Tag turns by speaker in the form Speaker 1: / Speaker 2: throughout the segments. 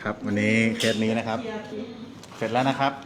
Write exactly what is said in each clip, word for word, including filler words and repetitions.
Speaker 1: ครับวันนี้เคสนี้นะครับเสร็จแล้วนะครับ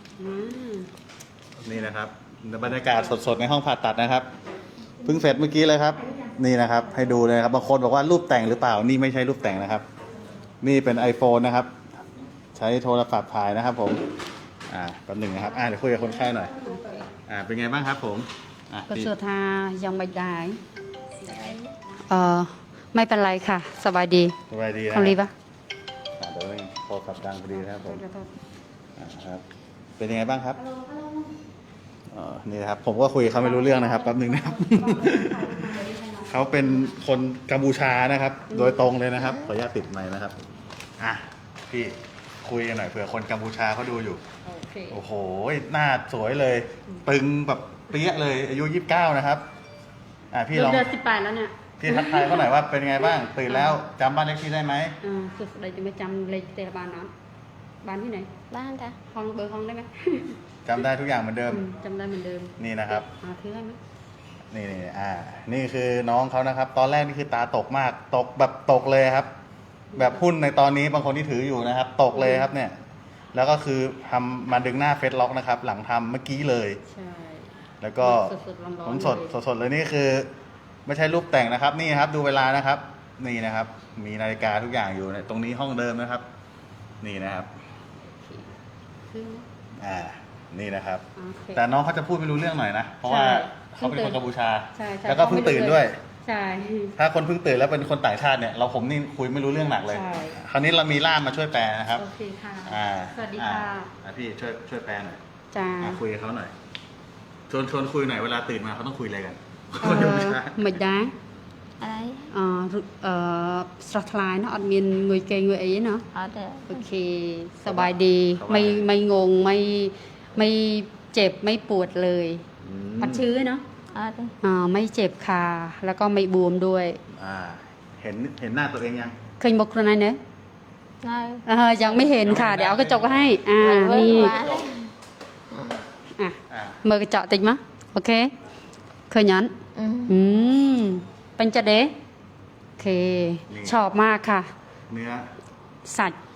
Speaker 1: นี่นะครับบรรยากาศสดๆในห้องผ่าตัดนะครับเพิ่งเสร็จเมื่อกี้เลยครับนี่นะครับให้ดูเลยครับบางคนบอกว่ารูปแต่งหรือเปล่านี่ไม่ใช่รูปแต่งนะครับนี่เป็น iPhone นะครับใช้โทรศัพท์ถ่ายนะครับผมอ่าแป๊บหนึ่งนะครับอ่าเดี๋ยวคุยกับคนไข้หน่อยอ่าเป็นไงบ้างครับผมอ่า
Speaker 2: ก็สุดท้ายยังไม่ได้เออไม่เป็นไรค่ะสบายดี
Speaker 1: สบายดีนะ
Speaker 2: ทำรีปะ
Speaker 1: อ่าเดี๋ยวโทรศัพท์ดังพอดีนะครับผมอ่าครับเป็นยังไงบ้างครับอ๋อนี่นะครับผมก็คุยเขาไม่รู้เรื่องนะครับแป๊บหนึ่งนะครับ เขาเป็นคนกัมพูชานะครับ โดยตรงเลยนะครับขออนุญาตติดไมค์นะครับอ่ะพี่คุยกันหน่อยเผื่อคนกัมพูชาเขาดูอยู่
Speaker 2: โอเค
Speaker 1: โอ้โหหน้าสวยเลยตึงแบบเปี้ยเลยอายุยี่สิบเก้านะครับอ่ะพี่ลอง
Speaker 2: เดือนสิบแปดแล้วเนี่ย
Speaker 1: พี่ทักทายเขาหน่อยว่าเป็นไงบ้างตื่นแล้วจำบ้านเลขที่ได้ไหม
Speaker 2: อ่าสุดใดจะไม่จำเลขเตะบ้านนั้นบ้านที่ไหน
Speaker 3: บ้านจ้ะ
Speaker 2: ห้องเบอร์ห้องได้ไหม
Speaker 1: จำได้ทุกอย่างเหมือนเดิม
Speaker 2: อืมจำได้เหมือนเดิม
Speaker 1: นี่นะครับ
Speaker 2: อ่าถือให้ไหม
Speaker 1: นี่นี่อ่า นี่คือน้องเขานะครับ ตอนแรกนี่คือตาตกมาก ตกแบบตกเลยครับ แบบหุ้นในตอนนี้บางคนที่ถืออยู่นะครับ ตกเลยครับเนี่ย แล้วก็คือทำมาดึงหน้าเฟซล็อกนะครับ หลังทำเมื่อกี้เลย
Speaker 2: ใช่
Speaker 1: แล้วก็
Speaker 2: สดๆร้อนๆ
Speaker 1: ผมสด
Speaker 2: เลย
Speaker 1: สดๆเลยนี่คือ ไม่ใช่รูปแต่งนะครับ นี่ครับ ดูเวลานะครับ นี่นะครับ มีนาฬิกาทุกอย่างอยู่ในตรงนี้ห้องเดิมนะครับ นี่นะครับ
Speaker 2: คือ
Speaker 1: อ่า นี่นะครับ
Speaker 2: โอเค
Speaker 1: แต่น้องเขาจะพูดไม่รู้เรื่องหน่อยนะ เพราะว่า
Speaker 2: ใช่
Speaker 1: เขาเป็นคนกัมพูชา
Speaker 2: ใช่ใช่
Speaker 1: แล้วก็เพิ่งตื่นด้วย
Speaker 2: ใช่
Speaker 1: ถ้าคนเพิ่งตื่นแล้วเป็นคนต่างชาติเนี่ย เราผมนี่คุยไม่รู้เรื่องหนักเลย
Speaker 2: ใช่
Speaker 1: คราวนี้เรามีล่ามมาช่วยแปลนะครับ
Speaker 2: โอเคค่ะ
Speaker 1: อ่า
Speaker 2: สวัสดี
Speaker 1: อ่า
Speaker 2: ค่ะ
Speaker 1: อ่าพี่ช่วยช่วยแปลหน่อย
Speaker 2: จ้า
Speaker 1: อ่าคุยกับเขาหน่อย ชวนชวนคุยหน่อยเวลาตื่นมาเขาต้องคุยอะไรกัน
Speaker 2: เอ
Speaker 1: คนกัม
Speaker 2: อ
Speaker 1: พูชา
Speaker 2: មិនដែរ
Speaker 3: อะไร
Speaker 2: អឺអឺស្រស់ថ្លាយណាស់អត់មានងុយគេងងុយអីណា
Speaker 3: อ๋อเด้อ
Speaker 2: โอเคสบายดีไม่ไม่งงไม่ไม่เจ็บไม่ปวดเลย
Speaker 1: อืม
Speaker 2: อัดชื้อเนาะ
Speaker 3: อ๋อเด้อ
Speaker 2: อ่าไม่เจ็บค่ะแล้วก็ไม่บวมด้วย
Speaker 1: อ่า เห็นเห็นหน้าตัวเองยัง
Speaker 2: เคยบอกคนไหนเนอะ
Speaker 3: นาย
Speaker 2: เออยังไม่เห็นค่ะ เดี๋ยวเอากระจกให้อ่า
Speaker 3: เว้ย
Speaker 2: นี่
Speaker 3: มาเลย
Speaker 2: อ่ะ
Speaker 1: อ่า
Speaker 2: มือกระจกติดมะโอเคเคยยัน
Speaker 3: อืม
Speaker 2: อืมเป็นจะเดะโอเค ชอบมากค่ะ
Speaker 1: เนื้อ
Speaker 2: สัตว์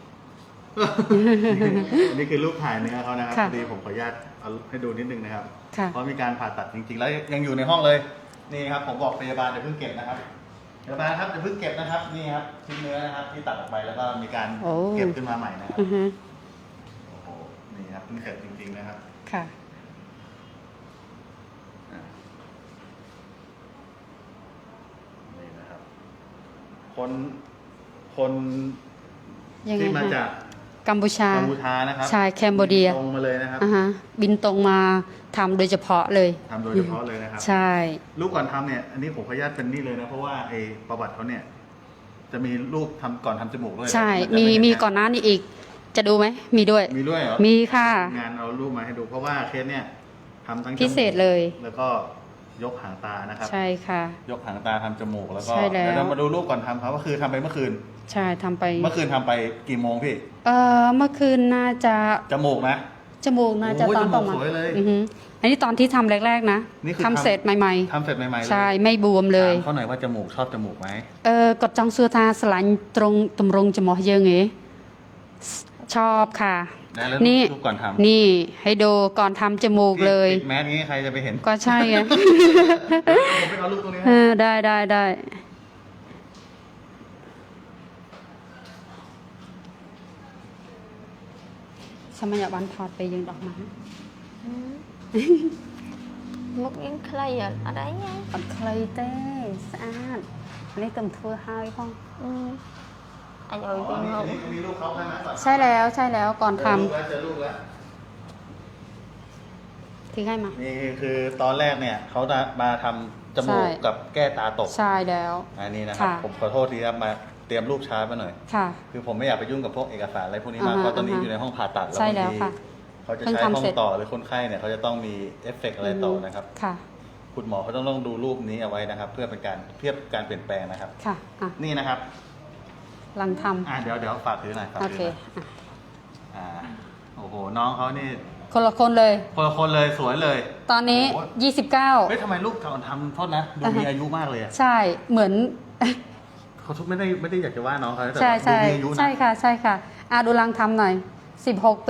Speaker 1: อันนี้คือรูปถ่ายเนื้อเขานะครับ
Speaker 2: ค่ะ
Speaker 1: พอดีผมขออนุญาตเอาให้ดูนิดนึงนะครับ
Speaker 2: ค่ะ
Speaker 1: เพราะมีการผ่าตัดจริงๆ แล้วยังอยู่ในห้องเลย นี่ครับผมบอกพยาบาลอย่าเพิ่งเก็บนะครับพยาบาลครับอย่าเพิ่งเก็บนะครับ นี่ครับชิ้นเนื้อนะครับที่ตัดออกไปแล้วก็มีการ
Speaker 2: โอ้
Speaker 1: เก็บขึ้นมาใหม่นะครับ
Speaker 2: อือฮึ
Speaker 1: โอ้โห นี่ครับเพิ่งเสร็จจริงๆนะครับ
Speaker 2: ค่ะ
Speaker 1: อ่านี่นะครับ คนคน
Speaker 2: ยังไง
Speaker 1: ที่มา
Speaker 2: คะ
Speaker 1: จาก
Speaker 2: กัมพูชา
Speaker 1: กัมพูชานะครับ
Speaker 2: ใช่แคนเบเดีย
Speaker 1: ตรงมาเลยนะครับ
Speaker 2: อ่าฮะบินตรงมาทำโดยเฉพาะเลย
Speaker 1: ทำโดยเฉพาะเลยนะครับ
Speaker 2: ใช่
Speaker 1: รูปก่อนทำเนี่ย อันนี้ผมขออนุญาตเป็นนี่เลยนะ เพราะว่าไอ้ประวัติเขาเนี่ย จะมีรูปทำก่อนทำจมูกด้วย
Speaker 2: ใช่
Speaker 1: นจะ
Speaker 2: มี
Speaker 1: ไเห็
Speaker 2: มีก่อนหน้านี้อีก จะดูไหมมีด้วย
Speaker 1: มีด้วยเหรอ
Speaker 2: มีค่ะ
Speaker 1: งานเอารูปมาให้ดู เพราะว่าเคสเนี่ยทำทั้งจมูก
Speaker 2: พิเศษเลย
Speaker 1: แล้วก็ยกหางตานะครับ
Speaker 2: ใช่ค่ะ
Speaker 1: ยกหางตาทำจมูกแล้วก็
Speaker 2: ใช่แล้ว
Speaker 1: เดี๋ยวเรามาดูรูปก่อนทำครับก็คือทำไปเมื่อคืน
Speaker 2: ใช่ทำไป
Speaker 1: เมื่อคืนทำไปกี่โมงพี่
Speaker 2: เออเมื่อคืนน่าจะ
Speaker 1: จมูกนะ
Speaker 2: จมูกน่าจะ
Speaker 1: โอ้ย
Speaker 2: ตอนประมาณ
Speaker 1: จมูกสวยเลย
Speaker 2: อือฮึอันนี้ตอนที่ทำแรกๆนะ
Speaker 1: นี่คือ
Speaker 2: ทำ
Speaker 1: ทำ
Speaker 2: เสร็จใหม่
Speaker 1: ทำเสร็จใหม่ๆเลย
Speaker 2: ๆ ใช่ไม่บวมเลย
Speaker 1: ถามเขาหน่อยว่าจมูกชอบจมูกไหม
Speaker 2: เออกดจองซัวทาสลันตรงตำรงจมูกเยอะไงชอบค่ะ
Speaker 1: ได้แล้ว
Speaker 2: นี่
Speaker 1: รูปก่อนทำ
Speaker 2: นี่ให้ดูก่อนทำจมูกเลย
Speaker 1: ปิดแมสงี้ใครจะไปเห็น
Speaker 2: ก็ใช่ไง
Speaker 1: ผมไปเอารูปตรงนี้
Speaker 2: เอ
Speaker 1: ให้
Speaker 2: อได้ได้ได้สมัยบันทอดไปยังดอกไม้
Speaker 3: อืมมุกยังใครอ่ะอะไรยัง
Speaker 2: ปัดเคลยเต้สะอาดอันนี้เติมทั่วให้พ่อง
Speaker 3: อืมอัน
Speaker 1: อ๋
Speaker 3: นี้
Speaker 1: อ
Speaker 3: เป็น
Speaker 1: นี่
Speaker 3: มุก
Speaker 1: อันนี้มีรูปเขาใช่ไหม
Speaker 2: ใช่แล้วใช่แล้วก่อนท
Speaker 1: เจอรูปแล้วเจอรูปแล้ว
Speaker 2: ำที่ให้มา
Speaker 1: นี่คือตอนแรกเนี่ยเขาจะมาทำจมูก
Speaker 2: ใช่
Speaker 1: กับแก้ตาตก
Speaker 2: ใช่แล้ว
Speaker 1: อันนี้นะครับ
Speaker 2: ค่ะ
Speaker 1: ผมขอโทษทีครับมาเตรียมรูปช้ามาหน่อย
Speaker 2: ค่ะ
Speaker 1: คือผมไม่อยากไปยุ่งกับพวกเอกสารอะไรพวกนี้มาก
Speaker 2: อ่าฮะ
Speaker 1: เพราะตอนนี้
Speaker 2: อ่าฮะ
Speaker 1: อยู่ในห้องผ่าตัดแล้ว
Speaker 2: ใช่
Speaker 1: บาง
Speaker 2: แล้ว
Speaker 1: ที
Speaker 2: ค่ะ
Speaker 1: เขาจะ
Speaker 2: เพิ่ง
Speaker 1: ใช้
Speaker 2: ทำ
Speaker 1: ห้อ
Speaker 2: เสร็
Speaker 1: ง
Speaker 2: จ
Speaker 1: ต่อหรือคนไข้เนี่ยเขาจะต้องมีเอฟเฟกต์อะไรต่อนะครับ
Speaker 2: ค่ะ
Speaker 1: คุณหมอเขาต้องต้องดูรูปนี้เอาไว้นะครับ เพื่อเป็นการเทียบการเปลี่ยนแปลงนะครับ
Speaker 2: ค่ะอ่ะ
Speaker 1: นี่นะครับ
Speaker 2: หลังท
Speaker 1: อ่าเดี๋ยวเดี๋ยวฝากถือหน่อยฝาก
Speaker 2: ำโอ
Speaker 1: ถื
Speaker 2: เค
Speaker 1: อหน่อย
Speaker 2: อ่ะ
Speaker 1: อ่าโอ้โหน้องเขานี่
Speaker 2: คนละคนเลย
Speaker 1: คนละคนเลยสวยเลย
Speaker 2: ตอนนี้
Speaker 1: โอ้โห
Speaker 2: ยี่สิบเก้า
Speaker 1: เฮ้ยทำไมรูปก่อนทำโทษนะดูมีอายุมากเลยอะ
Speaker 2: ใช่เหมือน
Speaker 1: คเขาทุกไม่ได้ไม่ได้อยากจะว่าน้องเขาแต่
Speaker 2: ใช่
Speaker 1: ว่าดู
Speaker 2: ใช่
Speaker 1: มีอายุนะ
Speaker 2: ใช่ค่ะใช่ค่ะอาดูลังทำหน่อยสิบหกปี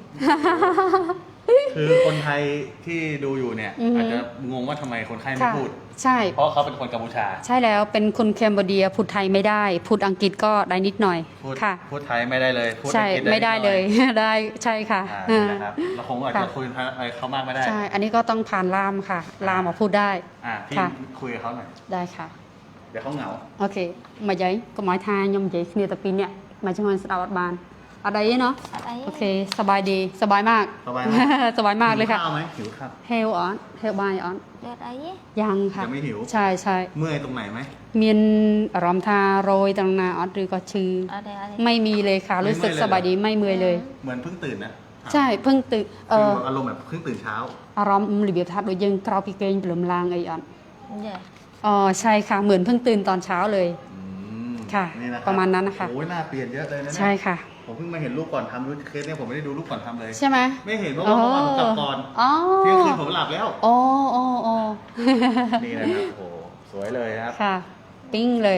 Speaker 1: คือคนไทยที่ดูอยู่เนี่ย
Speaker 2: อือฮึ
Speaker 1: อาจจะงงว่าทำไมคนไข้ไม่
Speaker 2: ค่ะ
Speaker 1: พูด
Speaker 2: ใช่
Speaker 1: เพราะเขาเป็นคนกัมพูชา
Speaker 2: ใช่แล้วเป็นคนแคนเบอร์เดียพูดไทยไม่ได้ พูดอังกฤษก็ได้นิดหน่อย
Speaker 1: พูด
Speaker 2: ค่ะ
Speaker 1: พูดไทยไม่ได้เลยพูด
Speaker 2: ใช่
Speaker 1: อังกฤษ
Speaker 2: ไม่ได้
Speaker 1: นิห
Speaker 2: เล
Speaker 1: น่อย
Speaker 2: ได้ใช่ค่ะ
Speaker 1: อ่านี่นะครับเราคงอาจ
Speaker 2: ค่ะ
Speaker 1: จะคุยอะไรเขามากไม่ได้
Speaker 2: ใช่ อันนี้ก็ต้องผ่านล่ามค่ะล่ามมาพูดได้
Speaker 1: อ่าพี่
Speaker 2: ค่ะ
Speaker 1: คุยกับเขาหน่อย
Speaker 2: ได้ค่ะ
Speaker 1: เดี๋ยวเขาเหงา
Speaker 2: โอเคមកយាយកុំឲ្យថាខ្ញុំនិយាយគ្នាតែពីរនាក់មកជួយស្ដាប់អត់បានអត់អីទេเนาะ
Speaker 3: អត់អី
Speaker 2: โอเคสบายดีสบายมาก
Speaker 1: สบายมาก
Speaker 2: สบายมากเลยค่ะ
Speaker 1: หิวข้าวไหมหิวข้าว
Speaker 2: เฮลออนเฮลบายออน
Speaker 3: អត់អីទេ
Speaker 2: ยังค่ะ
Speaker 1: ยังไม่หิว
Speaker 2: ใช่ใช่
Speaker 1: เมื่อยตรงไหนไหม
Speaker 2: មានអារម្មណ៍ថារយត្រង់ណាអត់ឬក៏ឈឺ
Speaker 3: អត់ទេអត់ទេ
Speaker 2: ไม่มีเลยค่ะ รู้สึกสบายดีไม่เมื่อยเลย
Speaker 1: เหมือนเพิ่งตื่นนะ
Speaker 2: ใช่เพิ่งตื่นเอ
Speaker 1: คือ
Speaker 2: อ
Speaker 1: อารมณ์แบบเพิ่งตื่นเช้า
Speaker 2: อารมณ์របៀបថាដូចយើងក្រោកពីគេងព្រលឹមឡើងអីអត់
Speaker 3: ចា
Speaker 2: อ๋อใช่ค่ะเหมือนเพิ่งตื่นตอนเช้าเลย
Speaker 1: อืม
Speaker 2: ค่ะ
Speaker 1: นี่นคบ
Speaker 2: ประมาณนั้นนะคะ
Speaker 1: โอ้ยหน้าเปลี่ยนเยอะเลยนะเนี่ย
Speaker 2: ใช่ค่ะ
Speaker 1: ผมเพิ่งมาเห็นรูปก่อนทำรูปเคสเนี่ยผมไม่ได้ดูรูปก่อนทำเลย
Speaker 2: ใช่ไหม
Speaker 1: ไม่เห็นเพราะว่าเมื่อวานผมกลับก่อน
Speaker 2: อ๋อ
Speaker 1: เที่ยงคืนผมหลับแล้ว
Speaker 2: อ๋ออ๋ออ๋อ
Speaker 1: นี่นะครับโอ้โหสวยเลยนะครับ
Speaker 2: ค่ะ ปิ้งเลย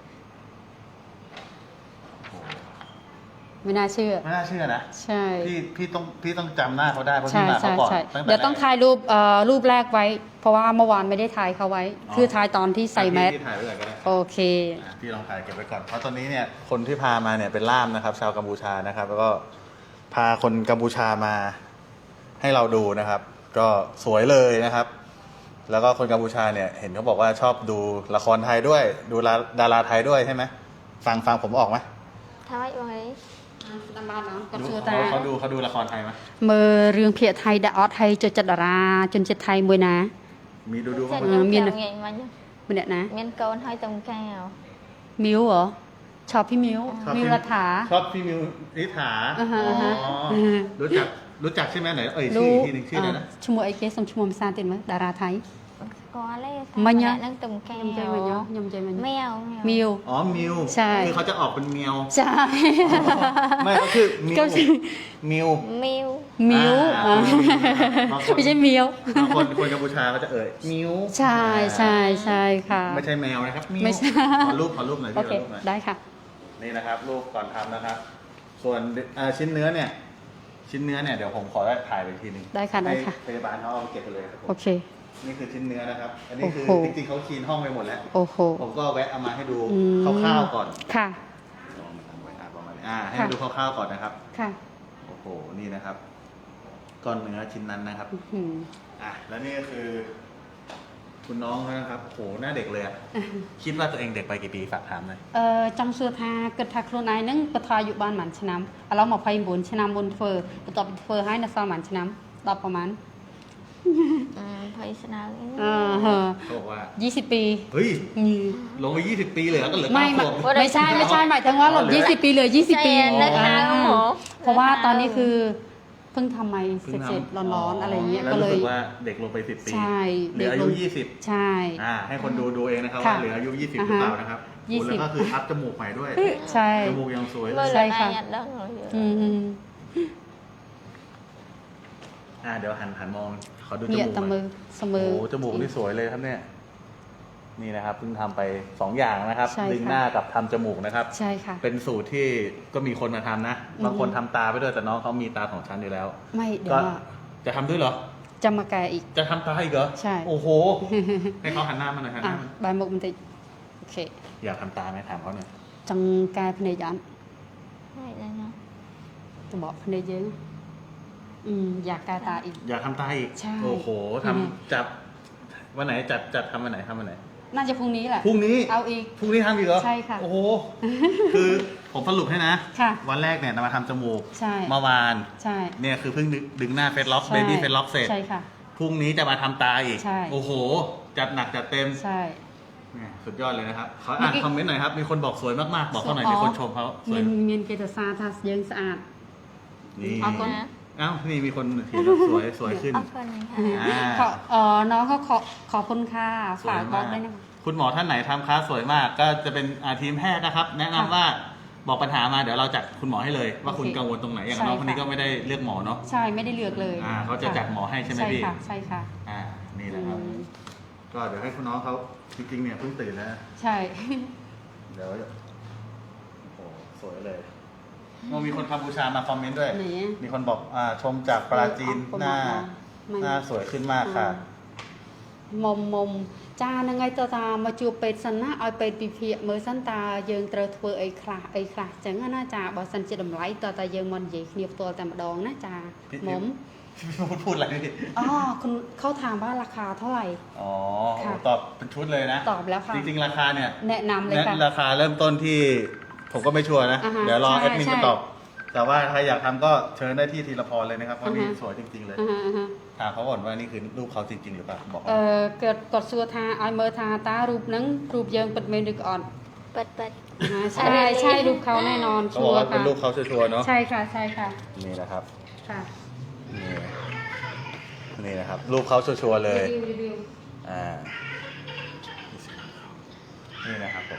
Speaker 1: โอ้โห
Speaker 2: ไม่น่าเชื่อ
Speaker 1: ไม่น่าเชื่อนะ
Speaker 2: ใช่
Speaker 1: พี่พี่ต้องพี่ต้องจำหน้าเขาได้เพราะ
Speaker 2: ใช่
Speaker 1: พี่มาเขา
Speaker 2: ใช่
Speaker 1: ก่อน
Speaker 2: ใช่
Speaker 1: ตั้งแต่
Speaker 2: เดี๋ยวต้อง
Speaker 1: แรก
Speaker 2: ถ่ายรูปเอ่อรูปแรกไว้ เพราะว่าเมื่อวานไม่ได้ถ่ายเขาไว้
Speaker 1: อ๋อ
Speaker 2: คือถ่ายตอนที่ใส่แมส
Speaker 1: พี่ถ่ายไว้ก่อนก็ได้
Speaker 2: โอเค
Speaker 1: อ่ะพี่ลองถ่ายเก็บไว้ก่อนเพราะตอนนี้เนี่ยคนที่พามาเนี่ยเป็นล่ามนะครับ ชาวกัมพูชานะครับ แล้วก็พาคนกัมพูชามาให้เราดูนะครับ ก็สวยเลยนะครับ แล้วก็คนกัมพูชาเนี่ยเห็นเขาบอกว่าชอบดูละครไทยด้วย ดูดาราไทยด้วยใช่ไหมฟังฟังผมออกไหม
Speaker 3: ថាម៉េចបងអី
Speaker 2: តាមបានអត់គាត់សួរ
Speaker 1: เขา
Speaker 2: ថា
Speaker 1: เขาดูเขาดูละครไทยไหม
Speaker 2: មើលរឿងភាគថៃដាក់អត់ហើយចូលចិត្តតារាជនជាតិថៃមួយណា
Speaker 1: มีดูดูบ้าง
Speaker 3: ចា
Speaker 1: ไหม
Speaker 3: ខ្ញុំ
Speaker 2: មាន
Speaker 3: ចាំងាយមិញ
Speaker 2: ម្នាក់ណា
Speaker 3: មានកូនហើយតំកាវ
Speaker 2: មីវเหรอชอบพี่มิว
Speaker 1: ชอบ
Speaker 2: มิว
Speaker 1: พี่
Speaker 2: รัฐา
Speaker 1: ชอบพี่มิวนิษฐา
Speaker 2: อ่าฮะ
Speaker 1: อ๋อ
Speaker 2: อ่าฮะ
Speaker 1: รู้จักรู้จักใช่ไหมไหนเอ่ยชื่ออีกทีหนึ่งชื่ออะไรนะ
Speaker 2: ឈ្មោះអីគេសុំឈ្មោះភាសាទៀតមើលតារាថៃ
Speaker 3: ស្គាល់ទេ
Speaker 2: មិញហ៎
Speaker 3: ហ្នឹងតំកាវ
Speaker 2: ខ្ញុំចេះមិញហ៎ខ្ញុំចេះមិញ
Speaker 3: ម៉ែវ
Speaker 2: មីវ
Speaker 1: อ๋อมิว
Speaker 2: ใช่
Speaker 1: คือเขาจะออกเป็นเมียว
Speaker 2: ใช่
Speaker 1: ไม่ก็คือมิว
Speaker 2: ก็ชื่อ
Speaker 1: มิว
Speaker 3: មីវ
Speaker 2: มิว
Speaker 1: อ่า
Speaker 2: อ่า
Speaker 1: คน
Speaker 2: ไม่ใช่มิว
Speaker 1: บางคนคนกัมพูชาก็จะเอ่ยมิว
Speaker 2: ใช่ใช่ใช่ค่ะ
Speaker 1: ไม่ใช่แมวนะครับมิว
Speaker 2: ไม่ใช่
Speaker 1: ขอรูปขอรูปหน่อย
Speaker 2: โอ
Speaker 1: พี่
Speaker 2: เค
Speaker 1: ขอรูปหน่อย
Speaker 2: ได้ค่ะ
Speaker 1: นี่นะครับรูปก่อนทำนะครับ ส่วนเอ่อชิ้นเนื้อเนี่ย ชิ้นเนื้อเนี่ยเดี๋ยวผมขอได้ถ่ายไปอีกทีหนึง
Speaker 2: ได้ค่ะได้ค่ะ
Speaker 1: ให้พยาบาลเขาเอาไปเก็บไปเลยครับผม
Speaker 2: โอเค
Speaker 1: นี่คือชิ้นเนื้อนะครับ อันนี้คือ
Speaker 2: โอ้โห
Speaker 1: จริงๆเขาคลีนห้องไปหมดแล้ว
Speaker 2: โอ้โห
Speaker 1: ผมก็แวะเอามาให้ดู
Speaker 2: อืม
Speaker 1: คร่าวๆก่อน
Speaker 2: ค่ะ
Speaker 1: ลองทำไว้อ่ะประมาณนี้อ่าให้
Speaker 2: ค่ะ
Speaker 1: ดูคร่าวๆก่อนนะครับ
Speaker 2: ค่ะ
Speaker 1: โอ้โห นี่นะครับ ก้อนเนื้อชิ้นนั้นนะครับ
Speaker 2: อื้อหือ
Speaker 1: อ่ะ แล้วนี่ก็คือ คุณน้องเขานะครับโอ้โห หน้าเด็กเลยอะคิดว่าตัวเองเด็กไปกี่ปีฝากถามหน่อย
Speaker 2: អឺចង់សួរថាគិតថាខ្លួនឯងហ្នឹងបថអាយុបានប៉ុន្មានឆ្នាំឥឡូវยี่สิบเก้าឆ្នាំមុនធ្វើបន្ទាប់ពីធ្វើហើយនៅសល់ប៉ុន្មានឆ្នាំដប់ប្រហែល
Speaker 3: អឺភ័យស្នើអី
Speaker 2: អឺហឺ
Speaker 1: เขาบอกว่า
Speaker 2: ยี่สิบปี
Speaker 1: เฮ้ย
Speaker 2: ញី
Speaker 1: ลงไปยี่สิบปีเลยแล้วก็เหลือ
Speaker 2: ไม่
Speaker 1: เก้าข
Speaker 2: ไม่
Speaker 1: วบ
Speaker 2: ไม่ใช่ไม่ใช่หมายถึงว่าหลดยี่สิบปีเหลือยี่สิบปี
Speaker 3: ใช่นะคะ
Speaker 2: อ่า
Speaker 3: หมอ
Speaker 2: เพราะว่าตอนนี้คือเพิ่งทำไม
Speaker 1: เพิ่ง
Speaker 2: เสร็จ
Speaker 1: ทำ
Speaker 2: ๆร้อนๆอะไรเงี้ย
Speaker 1: แล้ว
Speaker 2: ก็เล
Speaker 1: รู้
Speaker 2: ย
Speaker 1: สึกว่าเด็กลงไปสิบปี
Speaker 2: ใช่
Speaker 1: เหลืออายุ
Speaker 2: เด็กลง
Speaker 1: ยี่สิบ
Speaker 2: ใช่
Speaker 1: อ่า ให้คนดูดูเองนะครับ
Speaker 2: ค่ะ
Speaker 1: ว่าเหลืออายุยี่สิบ
Speaker 2: อ่า
Speaker 1: หรือ
Speaker 2: ฮะ
Speaker 1: เปล่านะครับ
Speaker 2: ยี่สิบ
Speaker 1: แล้วก็คืออัพจมูกใหม่ด้วย
Speaker 2: ใช่
Speaker 1: จมูกยังสวยเล
Speaker 3: មើល
Speaker 1: ย
Speaker 2: ใช่
Speaker 3: លោក
Speaker 2: ค่ะ
Speaker 3: ឯងអត់ដឹងហ៎
Speaker 2: อืม
Speaker 1: อ่า เดี๋ยวหันหันมอง ขอดูจ
Speaker 2: เนี่
Speaker 1: มู
Speaker 2: ย
Speaker 1: ก
Speaker 2: ตะ
Speaker 1: หน่
Speaker 2: มื
Speaker 1: อย
Speaker 2: อเสม
Speaker 1: โอ้
Speaker 2: อ
Speaker 1: โหจมูกนี่สวยเลยครับเนี่ย นี่นะครับเพิ่งทำไปสองอย่างนะครับ
Speaker 2: ใช่ค่ะ
Speaker 1: ดึงหน้ากับทำจมูกนะครับ
Speaker 2: ใช่ค่ะ
Speaker 1: เป็นสูตรที่ก็มีคนมาทำนะ
Speaker 2: อืม
Speaker 1: บางคนทำตาไปด้วยแต่น้องเขามีตาสองชั้นอยู่แล้ว
Speaker 2: ไม่เดี๋ย
Speaker 1: ก็
Speaker 2: วว่า
Speaker 1: จะทำด้วยเหรอ
Speaker 2: จะมาแกะอีก
Speaker 1: จะทำตาอีกเหรอ
Speaker 2: ใช่
Speaker 1: โอ้โห ให้เขาหันหน้ามาหน่อยหันห
Speaker 2: อ่ะ
Speaker 1: น้ามา
Speaker 2: บายมุกมันติโอเค
Speaker 1: อยากทำตาไหมถามเขาหน่อย
Speaker 2: ចង់កែភ្នែកអត់
Speaker 3: ហើយដឹងហ៎
Speaker 2: ទៅបកភ្នែកយើងអឺយ៉ាកែតាអ៊ី
Speaker 1: อยากทำตาอีก
Speaker 2: ใช่
Speaker 1: โอ้โหทำ
Speaker 2: อืม
Speaker 1: จับวันไหนจัดจัดทำวันไหนทำวันไหน
Speaker 2: น่าจะพรุ่งนี้แหละ
Speaker 1: พรุ่งนี้
Speaker 2: เอาอีก
Speaker 1: พรุ่งนี้ทำอีกเหรอ
Speaker 2: ใช่ค่ะ
Speaker 1: โอ้โห คือผมสรุปให้นะ
Speaker 2: ค่ะ
Speaker 1: วันแรกเนี่ยนำมาทำจมูก
Speaker 2: ใช่
Speaker 1: เมื่อวาน
Speaker 2: ใช่
Speaker 1: เนี่ยคือเพิ่งดึงดึงหน้าเฟซล็อก
Speaker 2: ใช่
Speaker 1: เบบี้เฟซล็อกเสร็จ
Speaker 2: ใช่ค่ะ
Speaker 1: พรุ่งนี้จะมาทำตาอีก
Speaker 2: ใช่
Speaker 1: โอ้โห จัดหนักจัดเต็ม
Speaker 2: ใช่
Speaker 1: แหม่สุดยอดเลยนะครับขออ่าน
Speaker 2: เมื่อกี้
Speaker 1: คอมเมนต์หน่อยครับ มีคนบอกสวยมากๆ บอกเขาหน่อย
Speaker 2: อ๋อ
Speaker 1: มีคนชมเขาสวย
Speaker 2: មានមានគេទៅសារថាយើងស្អាត
Speaker 1: นี่
Speaker 2: เอาก่อน
Speaker 1: เอ้านี่มีคนเขียนว่าสวยสวยขึ้น
Speaker 3: អរគុណค่ะ
Speaker 1: อ่า
Speaker 2: ขอเอ่อน้องก็ขอขอบคุณค่ะ
Speaker 1: สวย
Speaker 2: ฝากบ
Speaker 1: มา
Speaker 2: อก กด้วยนะคะ
Speaker 1: คุณหมอท่านไหนทำคลาสสวยมาก ก็จะเป็นอ่าทีมแพทย์นะครับ แนะนำ
Speaker 2: ค่ะ
Speaker 1: ว่าบอกปัญหามาเดี๋ยวเราจัดคุณหมอให้เลย ว่าคุณ
Speaker 2: โอเค
Speaker 1: กังวลตรงไหนอย่าง
Speaker 2: ใช่
Speaker 1: น้องคนนี้
Speaker 2: ค่ะ
Speaker 1: ก็ไม่ได้เลือกหมอเนาะ
Speaker 2: ใช่ไม่ได้เลือกเลย
Speaker 1: อ่าเขาจะจัดหมอให้ใช่ไหม
Speaker 2: ใช่
Speaker 1: พี่
Speaker 2: ค่ะใช่ค่ะ
Speaker 1: อ่านี่นะครับ
Speaker 2: อืม
Speaker 1: ก็เดี๋ยวให้คุณน้องเขาจริงๆเนี่ยเพิ่งตื่นแล้ว
Speaker 2: ใช่
Speaker 1: เดี๋ยววยเลยโอ้มีคนกัมพูชามาคอมเมนต์ด้วย
Speaker 2: ไหนอะ
Speaker 1: มีคนบอกอ่าชมจากปราจีน
Speaker 2: เออ
Speaker 1: หน้า
Speaker 2: เอา
Speaker 1: หน้าสวยขึ้นมากค่ะ
Speaker 2: មុំមុំចាហ្នឹងហើយតើថាមកជួបពេទ្យសិនណាឲ្យពេទ្យពិភាក្សាមើលសិនតើយើងត្រូវធ្វើអីខ្លះអីខ្លះចឹងណាចាបើសិនជាតម្លៃតើតើយើងមកនិយាយគ្នាផ្ទាល់តែម្ដងណាចា
Speaker 1: พี่
Speaker 2: មុំ
Speaker 1: พูดพูดอะไรพี่
Speaker 2: อ๋อคุณเขาถามว่าราคาเท่าไหร่
Speaker 1: อ๋อ
Speaker 2: ค่ะ
Speaker 1: ตอบเป็นชุดเลยนะ
Speaker 2: ตอบแล้วค่ะ
Speaker 1: จริงๆราคาเนี่ย
Speaker 2: แนะนำเลย
Speaker 1: แนะ
Speaker 2: ค่ะ
Speaker 1: ราคาเริ่มต้นที่ผมก็ไม่ชัวร์นะ
Speaker 2: อ่าฮะ
Speaker 1: เดี๋ยวรอ
Speaker 2: ใช่
Speaker 1: แอดมิน
Speaker 2: ใช่
Speaker 1: จะตอบ แต่ว่าใครอยากทำก็เชิญได้ที่ธีรพรเลยนะครับเพราะ
Speaker 2: อ่าฮะ
Speaker 1: นี่สวยจริงๆเลย
Speaker 2: អាហាអាហា
Speaker 1: ถามเขาก่อนว่านี่คือรูปเขาจริงๆหรือเปล่าบอก
Speaker 2: អឺគាត់គាត់សួរថាឲ្យមើលថាតើរូបហ្នឹងរូបយើងពិតមែនឬក៏អត់
Speaker 3: เปิดเปิด
Speaker 2: អាហាใช่ใช่รูปเขาแน่นอน
Speaker 1: เขาบอกว่าเป็นรูป
Speaker 2: ค่ะ
Speaker 1: เขาชัวร์ๆเนาะ
Speaker 2: ใช่ค่ะใช่ค่ะ
Speaker 1: นี่นะครับ
Speaker 2: ค่ะ
Speaker 1: นี่นี่นะครับ รูปเขาชัวร์ๆเลย
Speaker 2: รีวิวรีวิว
Speaker 1: อ่านี่นะครับผม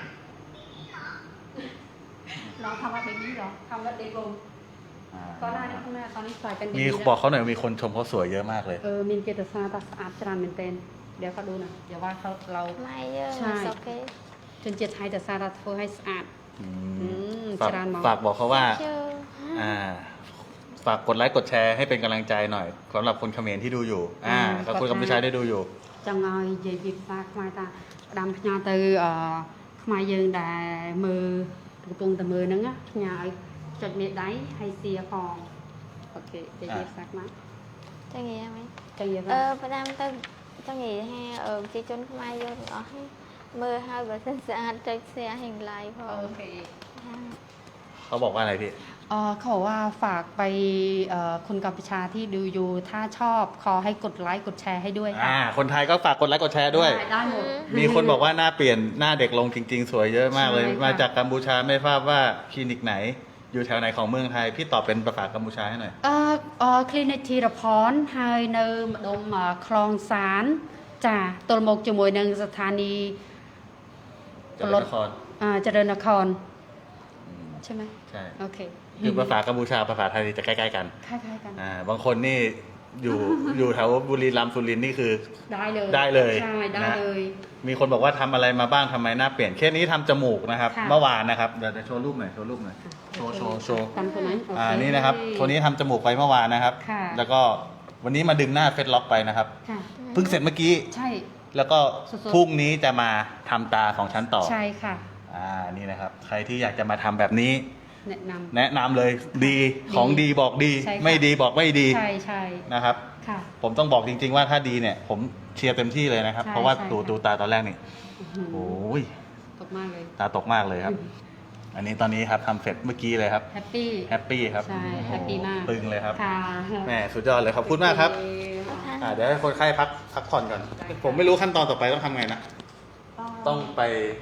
Speaker 2: น้องทำว่าเบบี้เหรอทำว่าเด็กลง
Speaker 1: อ่า
Speaker 2: ก็ได้นะคุณแม่ตอนนี้ใส่เป็นเบ
Speaker 1: มี
Speaker 2: บี้
Speaker 1: บอกเขาหน่อยมีคนชมเขาสวยเยอะมากเลย
Speaker 2: เออมินเกตซาตัสอาร์ตจรานเป็นเต้นเดี๋ยวเขาดูนะเดี๋ยวว่าเขาเรา
Speaker 3: ไม่เยอะ
Speaker 2: ใช่
Speaker 3: โอเค
Speaker 2: จนเจ็ดไทยแต่ซาตัสเฟอร์ให้สะอาด
Speaker 1: อื
Speaker 2: อื
Speaker 1: ม
Speaker 2: ม
Speaker 1: ฝาก
Speaker 2: จรานมอง
Speaker 1: ฝากบอกเขาว่า
Speaker 3: เชื่อ
Speaker 1: อ่า ฝากกดไลค์กดแชร์ให้เป็นกำลังใจหน่อยสำหรับคนเขมรที่ดูอยู่ อ่ากับคนกัมพูชาได้ดูอยู่
Speaker 2: ចង់ឲ្យនិយាយពីផ្សារខ្មែរតាផ្ដាំផ្ញើទៅអឺខ្មែរយើងដែលមើលកំពុងតែមើលហ្នឹងណាផ្ញើឲ្យចុចមេដៃហើយសៀផងអូខេនិយាយពីផ្សារខ្មែរ
Speaker 3: จะงี้ไหม
Speaker 2: ចឹងនិយាយ
Speaker 3: เอ
Speaker 2: ថា
Speaker 3: อประดามទៅจะงี้ให้เออจีจนខ្មែរយកទាំងអស់ให้មើលឲ្យបើសិនស្អាតចុច share ให้ like ផង
Speaker 2: โอเค
Speaker 1: เขาบอกว่าอะไรพี่
Speaker 2: เอ่อเขาบอกว่าฝากไปเอ่อคนกัมพูชาที่ดูอยู่ถ้าชอบขอให้กดไลค์กดแชร์ให้ด้วยค่ะ
Speaker 1: อ่า คนไทยก็ฝากกดไลค์กดแชร์ด้วย
Speaker 2: ได้ได้หมด
Speaker 1: มีคนบอกว่าหน้าเปลี่ยนหน้าเด็กลงจริง ๆ สวยเยอะมากเลย
Speaker 2: ใช่ค่ะ
Speaker 1: มาจากกัมพูชาไม่ทราบว่าคลินิกไหน อยู่แถวไหนของเมืองไทย พี่ตอบเป็นภาษากัมพูชาให้หน่อย
Speaker 2: អឺអឺ clinic ធីរផនហើយនៅម្ដុំអឺខ្លងសានចាទល់មកជាមួយនឹងស្ថានីយ៍
Speaker 1: เจริญนคร
Speaker 2: អឺចរិននคร
Speaker 1: อืม
Speaker 2: ใช่ไหม
Speaker 1: ใช่
Speaker 2: โอเค
Speaker 1: คือภาษากัมพูชาภาษาไทยจะใกล้ๆกัน
Speaker 2: คล้ายๆกัน
Speaker 1: อ่า บางคนนี่อยู่ อยู่แถวบุรีรัมย์สุรินทร์นี่คือ
Speaker 2: ได้เลย
Speaker 1: ได้เลย
Speaker 2: ใช่ได้
Speaker 1: นะ
Speaker 2: เลย
Speaker 1: มีคนบอกว่าทำอะไรมาบ้างทำไมหน้าเปลี่ยนเคสนี้ทำจมูกนะครับ
Speaker 2: ค่ะ
Speaker 1: เมื่อวานนะครับ เดี๋ยวจะโชว์รูปหน่อย โชว์รูปหน่อย โชว์โชว์โชว์
Speaker 2: กันคนนั้นโอเค
Speaker 1: อ่า นี่นะครับคนนี้ทำจมูกไปเมื่อวานนะครับ
Speaker 2: ค่ะ
Speaker 1: แล้วก็วันนี้มาดึงหน้าเฟซล็อกไปนะครับ
Speaker 2: ค่ะ
Speaker 1: เพิ่งเสร็จเมื่อกี้
Speaker 2: ใช่
Speaker 1: แล้วก็
Speaker 2: สดๆ
Speaker 1: พรุ่งนี้จะมาทำตาของฉันต่อ
Speaker 2: ใช่ค่ะ
Speaker 1: อ่า นี่นะครับ ใครที่อยากจะมาทำแบบนี้
Speaker 2: แนะนำ
Speaker 1: แนะนำเลย ดี ของดีบอกดี
Speaker 2: ใช่ค่ะ
Speaker 1: ไม่ดีบอกไม่ดี
Speaker 2: ใช่ใช่
Speaker 1: นะครับ
Speaker 2: ค่ะ
Speaker 1: ผมต้องบอกจริง ๆ ว่าถ้าดีเนี่ย ผมเชียร์เต็มที่เลยนะครับ
Speaker 2: ใช่
Speaker 1: เพราะว่า
Speaker 2: ใช่
Speaker 1: ดู
Speaker 2: ค่ะ
Speaker 1: ดูตาตอนแรกนี่
Speaker 2: อื้อหือ
Speaker 1: โอ้ย
Speaker 2: ตกมากเลย
Speaker 1: ตาตกมากเลยครับ อันนี้ตอนนี้ครับทำเสร็จเมื่อกี้เลยครับ
Speaker 2: แฮปปี้
Speaker 1: แฮปปี้ครับ
Speaker 2: ใช่
Speaker 1: โอ้โ
Speaker 2: แฮปปี้มาก
Speaker 1: ตึงเลยครับ
Speaker 2: ค่ะ
Speaker 1: แหมสุดยอดเลยขอบคุณมากครับ อ่าเดี๋ยวให้คนไข้พักพักผ่อนก่อน ผมไม่รู้ขั้นตอนต่อไปต้องทำไงนะ ต้องไป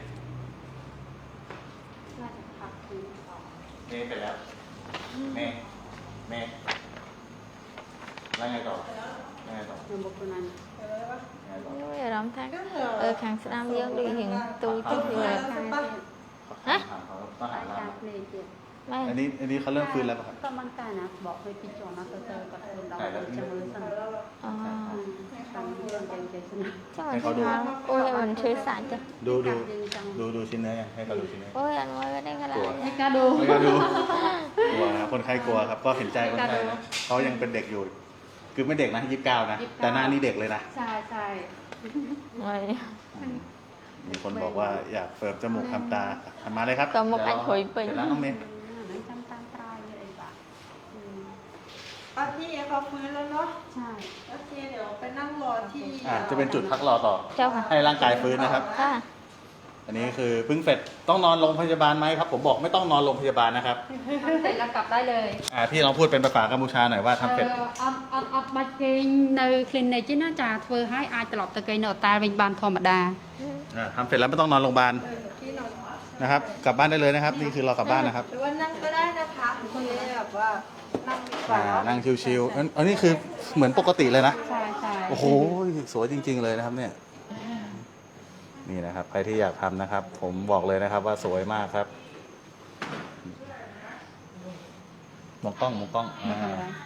Speaker 2: น่าจะพักคืนต่อ
Speaker 1: เมย์ไปแล้วเมย์เมย์แล้วไงต่อแล้วไงต่อ
Speaker 2: នៅមុខខ្លួនឯង
Speaker 1: ไงต่อ
Speaker 3: นู้ยអារម្មណ៍ថាអឺខាងស្ដាំយើងដូចរៀងទូចទៅវា
Speaker 1: ฮะต้องหา
Speaker 2: តែ
Speaker 1: ร้าน
Speaker 2: ការភ្លេងទៀត
Speaker 3: ម៉ែ
Speaker 1: อันนี้อันนี้เขาเริ่มฟื้นแล้วป่ะครับ
Speaker 2: ក៏មិនតែណាបកឲ្យពីជាន់ណាទៅទៅគាត់ខ្លួនដល់ទៅចាំមើលសិន
Speaker 3: អូ
Speaker 2: តាមយើងទៅចេះសិន
Speaker 3: ចាំមិនថាអូយមិនឈឺសាច់ទេ
Speaker 1: ดูดูดูดูชิ้นเนื้อยังให้เขาดูชิ้นเนื้อ
Speaker 3: អូយអត់មើលទេកន្លែង
Speaker 2: ให้កាដូ
Speaker 1: ไม่กล้าดู กลัวนะครับคนไข้กลัวครับ ก็เห็นใจคนไข้นะเขายังเป็นเด็กอยู่ คือไม่เด็กนะยี่สิบเก้านะ แต่หน้านี่เด็กเลยนะ
Speaker 2: ใช่ใช่
Speaker 3: ម៉ែ
Speaker 1: มีคนบอกว่าอยากเฟิร์มจมูกทำตาทำมาเลยครับ
Speaker 3: ก็มุกอัดหุยไป
Speaker 1: เสร็จแล้วน้องเมย์
Speaker 2: ហ្នឹងចាំតាមក្រោយនេះអីបាទ
Speaker 4: อ่ะพี่เขาฟื้นแล้วเนาะ
Speaker 2: ใช่
Speaker 4: โอเคเดี๋ยวไปนั่งรอที่
Speaker 1: อ่าจะเป็นจุดพักรอต่อ
Speaker 3: เจ้าค่ะ
Speaker 1: ให้ร่างกายฟื้นนะครับ
Speaker 3: ค่ะ
Speaker 1: อันนี้คือเพิ่งเสร็จต้องนอนโรงพยาบาลไหมครับ ผมบอกไม่ต้องนอนโรงพยาบาลนะครับ
Speaker 2: ทำเสร็จแล้วกลับได้เลย
Speaker 1: อ่าพี่ลองพูดเป็นภาษากัมพูชาหน่อยว่าทำเสร็จ
Speaker 2: អត់អត់អត់បាច់គេងនៅ clinic ទេណាចាធ្វើឲ្យអាចត្រឡប់ទៅគេងនៅអតាវិញបានធម្មតា
Speaker 1: อ่าทำเสร็จแล้วไม่ต้องนอนโรงพยาบาล
Speaker 4: ที่นอน
Speaker 1: นะครับ กลับบ้านได้เลยนะครับ นี่คือเรากลับบ้านนะครับ
Speaker 4: หรือว่านั่งก็ได้นะคะคุณแบบว่านั่งดีก
Speaker 1: อ่า
Speaker 4: ว่า
Speaker 1: นั่งชิวๆอันอันนี้คือเหมือนปกติเลยนะ
Speaker 2: ใช่ใช่
Speaker 1: โอ้โห สวยจริง ๆ เลยนะครับเนี่ย นี่นะครับ ใครที่อยากทำนะครับ ผมบอกเลยนะครับว่าสวยมากครับมองกล้องมองกล้องอ่า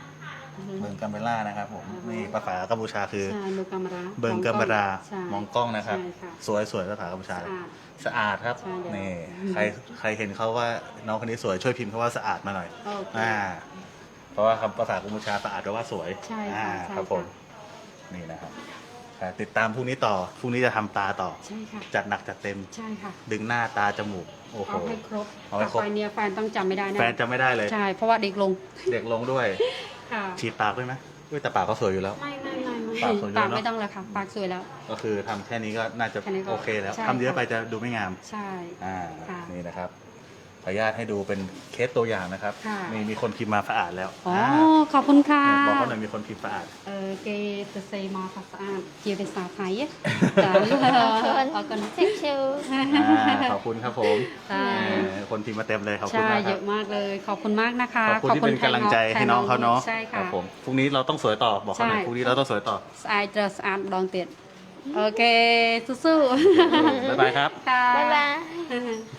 Speaker 1: เบิงกัมเบล่านะครับผมนี่ภาษากัมพูชาคือ
Speaker 2: ใช่ดูกล้องรา
Speaker 1: เบิงกัมเบรา
Speaker 2: ใช่
Speaker 1: มองกล้องนะครับ
Speaker 2: ใช่ค่ะ
Speaker 1: สวยสวยภาษากัมพูชา
Speaker 2: สะอาด
Speaker 1: สะอาดครับ
Speaker 2: ใช่เลย
Speaker 1: นี่ใครใครเห็นเขาว่าน้องคนนี้สวยช่วยพิมพ์เขาว่าสะอาดมาหน่อย
Speaker 2: โอเค
Speaker 1: อ่าเพราะว่าคำภาษากัมพูชาสะอาดแปลว่าสวย
Speaker 2: ใช่ค่ะ
Speaker 1: อ่า
Speaker 2: ใช่
Speaker 1: ครับผม
Speaker 2: ค่ะ
Speaker 1: นี่นะครับอ่าติดตามพรุ่งนี้ต่อพรุ่งนี้จะทำตาต่อ
Speaker 2: ใช่ค่ะ
Speaker 1: จัดหนักจัดเต็ม
Speaker 2: ใช่ค่ะ
Speaker 1: ดึงหน้าตาจมูกโอ้โห
Speaker 2: เอาให้ครบ
Speaker 1: เอาให้ครบ
Speaker 2: ต่อไปเนี่ยแฟนต้องจำไม่ได้นะ
Speaker 1: แฟนจะไม่ได้เลย
Speaker 2: ใช่เพราะว่าเด็กลง
Speaker 1: เด็กลงด้วย
Speaker 2: ค่ะ
Speaker 1: ฉีดปากด้วยไหมอุ้ยแต่ปากเขาสวยอยู่แล้ว
Speaker 2: ไม่ไม่ไม่ไม่
Speaker 1: ปากสวยอยู่
Speaker 2: ปาก
Speaker 1: แล้วเนอะ
Speaker 2: ไม่ต้องแล้วค่ะปากสวยแล้ว
Speaker 1: ก็คือทำแค่นี้ก็น่าจะ
Speaker 2: แค่นี้ก็
Speaker 1: โอเคแล้ว
Speaker 2: ใช่
Speaker 1: ทำเยอะ
Speaker 2: ค่ะ
Speaker 1: ไปจะดูไม่งาม
Speaker 2: ใช่
Speaker 1: อ่า
Speaker 2: ค่ะ
Speaker 1: นี่นะครับขออนุญาตให้ดูเป็นเคสตัวอย่างนะครับ
Speaker 2: ค่ะ
Speaker 1: มีมีคนพิมพ์มาสะอาดแล้ว
Speaker 2: อ๋อขอบคุณค่ะ
Speaker 1: บอกเขาหน่อยมีคนพิมพ์สะอาด
Speaker 2: เออเกจะเซมาภาษาอ่านเจียภาษาไทยอะจ้ะ
Speaker 3: คน
Speaker 2: เอากัน
Speaker 3: ชิวชิว
Speaker 1: อ่าขอบคุณครับผม
Speaker 2: ใช่
Speaker 1: เออคนพิมพ์มาเต็มเลยขอบคุณ
Speaker 2: ใช่
Speaker 1: มากค
Speaker 2: เย
Speaker 1: รับ
Speaker 2: อะมากเลย ขอบคุณมากนะคะ
Speaker 1: ขอบคุณที่เป็นกำลังใจให้น้องเขาเนาะ
Speaker 2: ใช่
Speaker 1: ครั
Speaker 2: ค่ะ
Speaker 1: บผมพรุ่งนี้เราต้องสวยต่อบอกเขาหน่อย
Speaker 2: ใช่
Speaker 1: พรุ่งนี้เราต้องสวยต่อ
Speaker 2: สะอาดจะสะอาดดองเตียดโอเคสู้ๆ
Speaker 1: บ๊ายบายครับ
Speaker 2: ค่ะ
Speaker 3: บ๊ายบาย